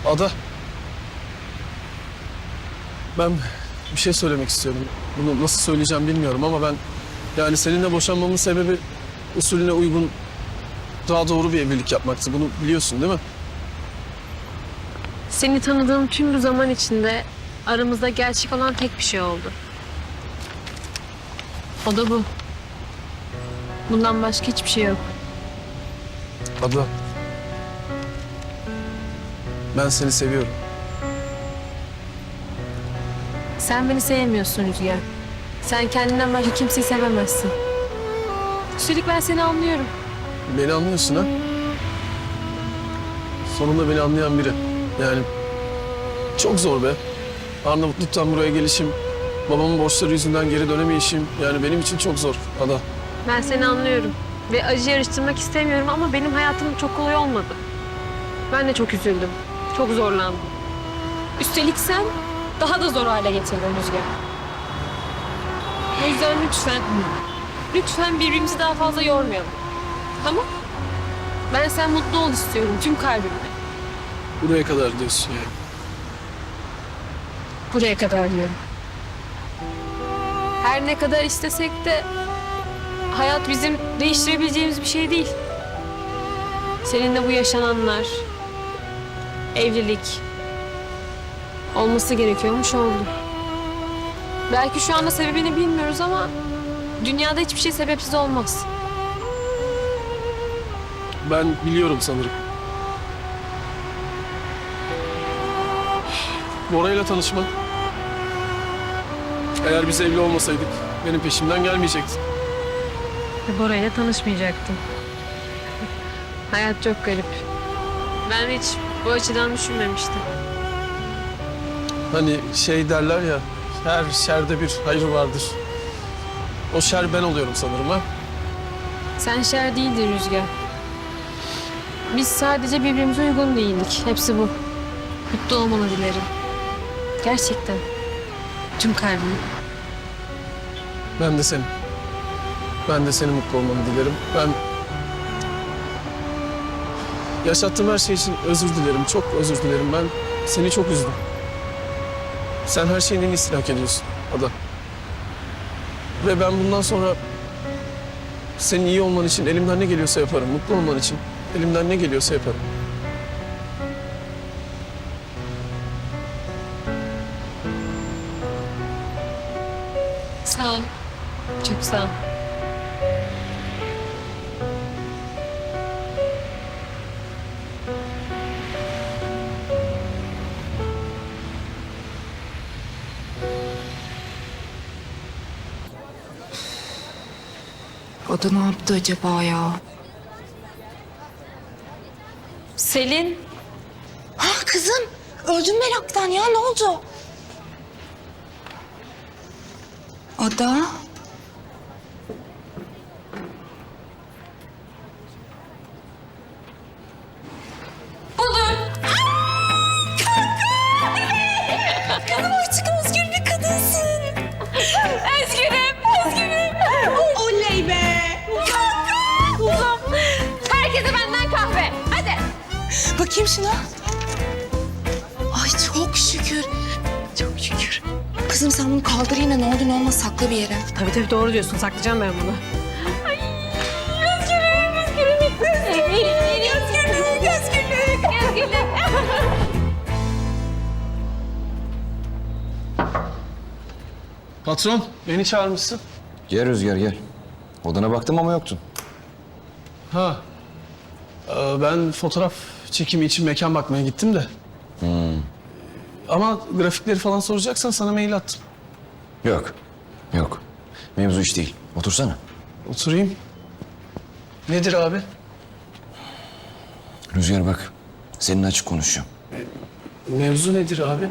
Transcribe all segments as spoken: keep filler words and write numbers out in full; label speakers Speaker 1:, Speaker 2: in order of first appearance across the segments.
Speaker 1: Ada. Ben bir şey söylemek istiyorum. Bunu nasıl söyleyeceğim bilmiyorum ama ben... Yani seninle boşanmamın sebebi usulüne uygun, daha doğru bir evlilik yapmaktı. Bunu biliyorsun değil mi?
Speaker 2: Seni tanıdığım tüm bu zaman içinde aramızda gerçek olan tek bir şey oldu. O da bu. Bundan başka hiçbir şey yok.
Speaker 1: Ada. Ben seni seviyorum.
Speaker 2: Sen beni sevmiyorsun Rüzgar. Sen kendinden başka kimseyi sevemezsin. Üstelik ben seni anlıyorum.
Speaker 1: Beni anlıyorsun ha? Sonunda beni anlayan biri. Yani çok zor be. Arnavutluk'tan buraya gelişim, babamın borçları yüzünden geri dönemeyişim. Yani benim için çok zor Ada.
Speaker 2: Ben seni anlıyorum. Ve acı yarıştırmak istemiyorum ama benim hayatım çok kolay olmadı. Ben de çok üzüldüm. Çok zorlandım. Üstelik sen daha da zor hale getirdin Rüzgar. O yüzden lütfen, lütfen birbirimizi daha fazla yormayalım. Tamam? Ben sen mutlu ol istiyorum tüm kalbimle.
Speaker 1: Buraya kadar diyorsun yani.
Speaker 2: Buraya kadar diyorum. Her ne kadar istesek de hayat bizim değiştirebileceğimiz bir şey değil. Seninle bu yaşananlar, evlilik olması gerekiyormuş oldu. Belki şu anda sebebini bilmiyoruz ama dünyada hiçbir şey sebepsiz olmaz.
Speaker 1: Ben biliyorum sanırım. Bora'yla tanışma. Eğer biz evli olmasaydık benim peşimden gelmeyecektin.
Speaker 2: Bora'yla tanışmayacaktım. Hayat çok garip. Ben hiç bu açıdan düşünmemiştim.
Speaker 1: Hani şey derler ya, her şerde bir hayır vardır. O şer ben oluyorum sanırım ha.
Speaker 2: Sen şer değildin Rüzgar. Biz sadece birbirimize uygun değildik. Hepsi bu. Mutlu olmanı dilerim. Gerçekten. Tüm kalbim.
Speaker 1: Ben de senin. Ben de senin mutlu olmanı dilerim. Ben... Yaşattığım her şey için özür dilerim. Çok özür dilerim. Ben seni çok üzdüm. Sen her şeyin en iyisini hak ediyorsun Ada. Ve ben bundan sonra senin iyi olman için elimden ne geliyorsa yaparım. Mutlu olman için elimden ne geliyorsa yaparım.
Speaker 2: Sağ ol. Çok sağ ol.
Speaker 3: O da ne yaptı acaba ya?
Speaker 2: Selin.
Speaker 3: Ha kızım, öldüm meraktan ya, ne oldu? Ada? Kızım artık özgür bir kadınsın.
Speaker 2: Özgürüm, özgürüm.
Speaker 3: Oley be!
Speaker 2: Kuzum. Herkese benden kahve. Hadi.
Speaker 3: Bakayım şuna. Ay çok şükür. Çok şükür. Kızım sen bunu kaldır yine, ne olur ne olmaz sakla bir yere.
Speaker 2: Tabii tabii doğru diyorsun. Saklayacağım ben bunu. Ay, özgürüm, özgürüm. Özgürlük, özgürlük, özgürlük. Özgürlük.
Speaker 1: Patron, beni çağırmışsın.
Speaker 4: Gel Rüzgar gel. Odana baktım ama yoktun.
Speaker 1: Ha. Ee, ben fotoğraf çekimi için mekan bakmaya gittim de. Ama grafikleri falan soracaksan sana mail attım.
Speaker 4: Yok. Yok. Mevzu iş değil. Otursana.
Speaker 1: Oturayım. Nedir abi?
Speaker 4: Rüzgar bak. Seninle açık konuşacağım.
Speaker 1: Mevzu nedir abi?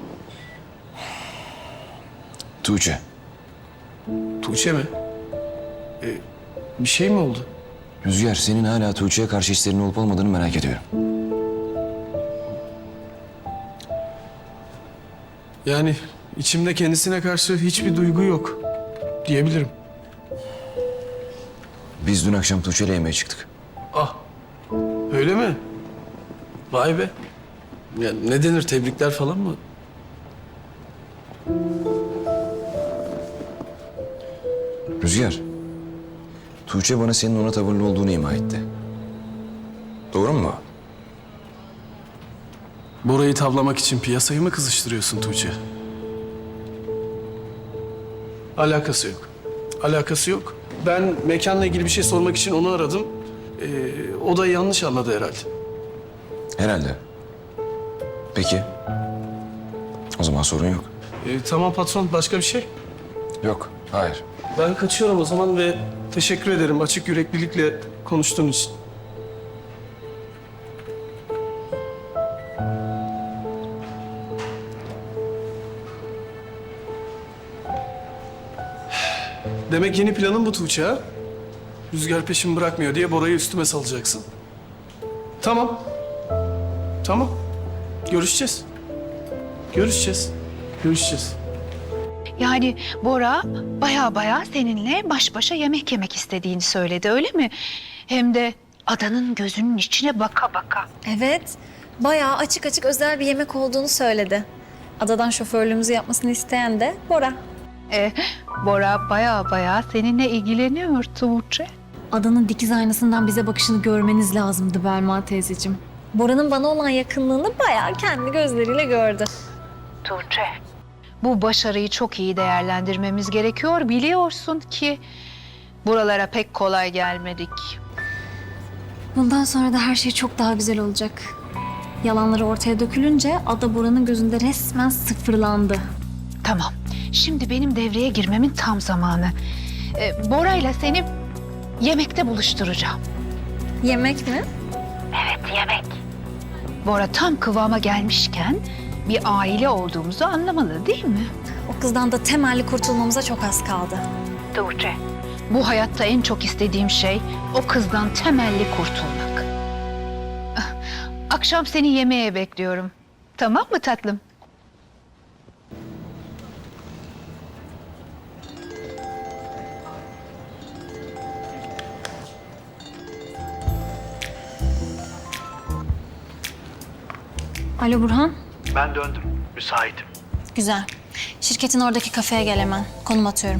Speaker 4: Tuğçe.
Speaker 1: Tuğçe mi? Ee, bir şey mi oldu?
Speaker 4: Rüzgar senin hala Tuğçe'ye karşı hislerinin olup olmadığını merak ediyorum.
Speaker 1: Yani içimde kendisine karşı hiçbir duygu yok diyebilirim.
Speaker 4: Biz dün akşam Tuğçe'yle yemeğe çıktık.
Speaker 1: Ah, öyle mi? Vay be. Ya ne denir, tebrikler falan mı?
Speaker 4: Rüzgar. Tuğçe bana senin ona tavırlı olduğunu ima etti. Doğru mu?
Speaker 1: Bora'yı tavlamak için piyasayı mı kızıştırıyorsun Tuğçe? Alakası yok. Alakası yok. Ben mekanla ilgili bir şey sormak için onu aradım. Ee, o da yanlış anladı herhalde.
Speaker 4: Herhalde. Peki. O zaman sorun yok.
Speaker 1: Ee, tamam patron, başka bir şey?
Speaker 4: Yok. Hayır.
Speaker 1: Ben kaçıyorum o zaman ve teşekkür ederim açık yüreklilikle konuştuğun için. Demek yeni planın bu Tuğçe ha? Rüzgar peşimi bırakmıyor diye Bora'yı üstüme salacaksın. Tamam. Tamam. Görüşeceğiz. Görüşeceğiz. Görüşeceğiz.
Speaker 5: Yani Bora baya baya seninle baş başa yemek yemek istediğini söyledi, öyle mi? Hem de adanın gözünün içine baka baka.
Speaker 6: Evet, bayağı açık açık özel bir yemek olduğunu söyledi. Adadan şoförlüğümüzü yapmasını isteyen de Bora.
Speaker 5: E, Bora baya baya seninle ilgileniyor Tuğçe.
Speaker 6: Adanın dikiz aynasından bize bakışını görmeniz lazımdı Belma teyzeciğim. Bora'nın bana olan yakınlığını bayağı kendi gözleriyle gördü.
Speaker 5: Tuğçe. Bu başarıyı çok iyi değerlendirmemiz gerekiyor. Biliyorsun ki buralara pek kolay gelmedik.
Speaker 6: Bundan sonra da her şey çok daha güzel olacak. Yalanları ortaya dökülünce Ada Bora'nın gözünde resmen sıfırlandı.
Speaker 5: Tamam. Şimdi benim devreye girmemin tam zamanı. Ee, Bora'yla seni yemekte buluşturacağım.
Speaker 6: Yemek mi?
Speaker 5: Evet, yemek. Bora tam kıvama gelmişken bir aile olduğumuzu anlamalı değil mi?
Speaker 6: O kızdan da temelli kurtulmamıza çok az kaldı.
Speaker 5: Tuğçe, bu hayatta en çok istediğim şey o kızdan temelli kurtulmak. Ah, akşam seni yemeğe bekliyorum. Tamam mı tatlım?
Speaker 6: Alo Burhan.
Speaker 7: Ben döndüm. Müsaitim.
Speaker 6: Güzel. Şirketin oradaki kafeye gel hemen. Konum atıyorum.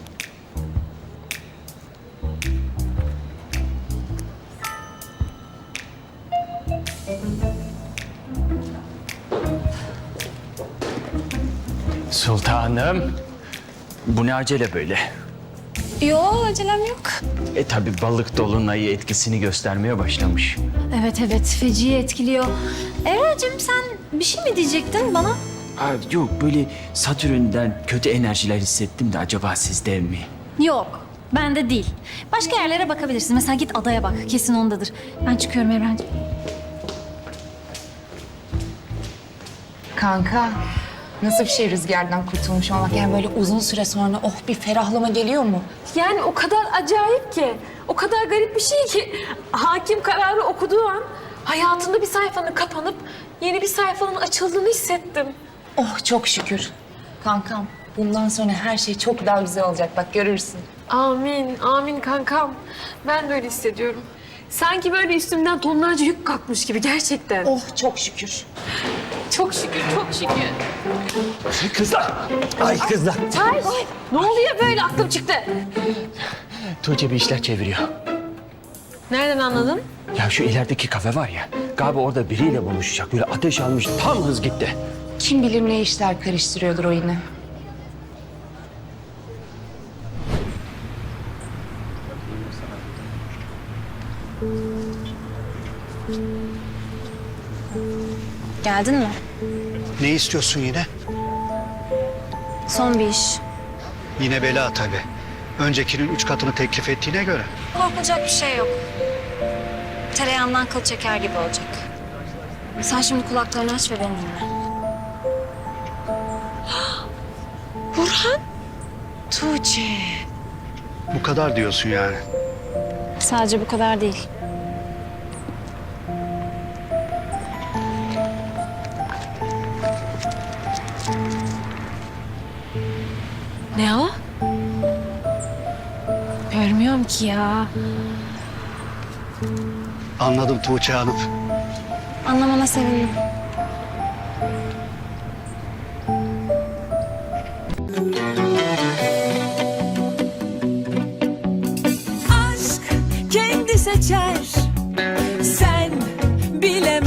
Speaker 7: Sultanım. Bu ne acele böyle?
Speaker 6: Yo, acelem yok.
Speaker 7: E tabi balık dolunayı etkisini göstermeye başlamış.
Speaker 6: Evet evet, feci etkiliyor. Evracığım sen bir şey mi diyecektin bana?
Speaker 7: Aa, yok böyle Satürn'den kötü enerjiler hissettim de acaba sizde mi?
Speaker 6: Yok, bende değil. Başka yerlere bakabilirsin. Mesela git adaya bak, kesin ondadır. Ben çıkıyorum Evrencim.
Speaker 3: Kanka, nasıl bir şey rüzgardan kurtulmuş olmak? Yani böyle uzun süre sonra oh bir ferahlama geliyor mu?
Speaker 2: Yani o kadar acayip ki, o kadar garip bir şey ki hakim kararı okuduğu an hayatında bir sayfanın kapanıp yeni bir sayfanın açıldığını hissettim.
Speaker 3: Oh çok şükür. Kankam, bundan sonra her şey çok daha güzel olacak. Bak görürsün.
Speaker 2: Amin, amin kankam. Ben de öyle hissediyorum. Sanki böyle üstümden tonlarca yük kalkmış gibi gerçekten.
Speaker 3: Oh çok şükür.
Speaker 2: Çok şükür, çok şükür.
Speaker 7: Kızlar! Ay kızlar!
Speaker 2: Ay, ne oluyor böyle? Aklım çıktı.
Speaker 7: Tuğçe bir işler çeviriyor.
Speaker 2: Nereden anladın?
Speaker 7: Ya şu ilerideki kafe var ya, galiba orada biriyle buluşacak. Böyle ateş almış, tam hız gitti.
Speaker 3: Kim bilir ne işler karıştırıyordur o yine.
Speaker 6: Geldin mi?
Speaker 8: Ne istiyorsun yine?
Speaker 6: Son bir iş.
Speaker 8: Yine bela tabii. Öncekinin üç katını teklif ettiğine göre.
Speaker 6: Korkulacak bir şey yok. Tereyağından kıl çeker gibi olacak. Sen şimdi kulaklarını aç ve beni dinle.
Speaker 3: Burhan. Tuğçe.
Speaker 8: Bu kadar diyorsun yani.
Speaker 6: Sadece bu kadar değil.
Speaker 2: Ne o? Görmüyorum ki ya.
Speaker 8: Anladım Tuğçe Hanım.
Speaker 6: Anlamana sevindim.
Speaker 9: aşk kendi seçer. Sen bilemezsin.